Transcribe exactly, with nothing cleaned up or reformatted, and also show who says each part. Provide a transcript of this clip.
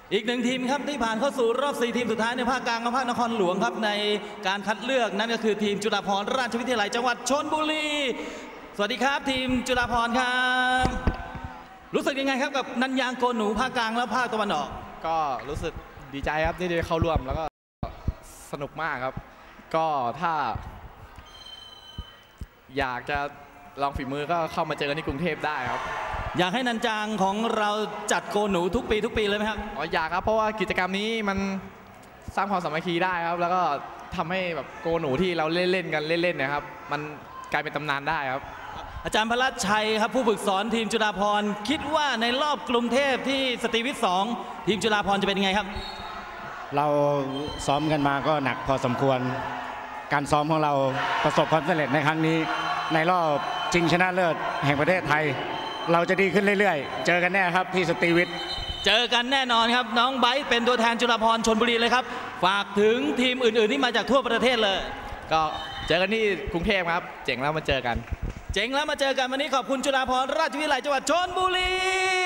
Speaker 1: อีกหนึ่งทีมครับที่ผ่านเข้าสู่รอบสี่ทีมสุดท้ายในภาคกลางกับภาคนครหลวงครับในการคัดเลือกนั่นก็คือทีมจุฬาภรณราชวิทยาลัยจังหวัดชลบุรีสวัสดีครับทีมจุฬาภรณ์ครับรู้สึกยังไงครับกับนันยางโกนหนูภาคกลางและภาคตะวันออก
Speaker 2: ก็รู้สึกดีใจครับที่ได้เข้าร่วมแล้วก็สนุกมากครับก็ถ้าอยากจะลองฝีมือก็เข้ามาเจอกันที่กรุงเทพได้ครับ
Speaker 1: อยากให้นันจางของเราจัดโกนหนูทุกปีทุกปีเลยไหมครับ
Speaker 2: อ๋ออยากครับเพราะว่ากิจกรรมนี้มันสร้างความสามัคคีได้ครับแล้วก็ทำให้แบบโกนหนูที่เราเล่นเล่นกันเล่นเล่นนะครับมันกลายเป็นตำนานได้ครับ
Speaker 1: อาจารย์พระราชชัยครับผู้ฝึกสอนทีมจุฬาภรณ์คิดว่าในรอบกรุงเทพที่สตรีวิทย์สองทีมจุฬาภรณ์จะเป็นยังไงครับ
Speaker 3: เราซ้อมกันมาก็หนักพอสมควรการซ้อมของเราประสบความสำเร็จในครั้งนี้ในรอบชิงชนะเลิศแห่งประเทศไทยเราจะดีขึ้นเรื่อยๆเจอกันแน่ครับที่สตรีวิทย์
Speaker 1: เจอกันแน่นอนครับน้องไบร์ทเป็นตัวแทนจุฬาภรณ์ชลบุรีเลยครับฝากถึงทีมอื่นๆที่มาจากทั่วประเทศเลย
Speaker 2: ก็เจอกันที่กรุงเทพครับเจ๋งแล้วมาเจอกัน
Speaker 1: เจ๋งแล้วมาเจอกันวันนี้ขอบคุณจุฬาภรณราชวิทยาลัยจังหวัดชลบุรี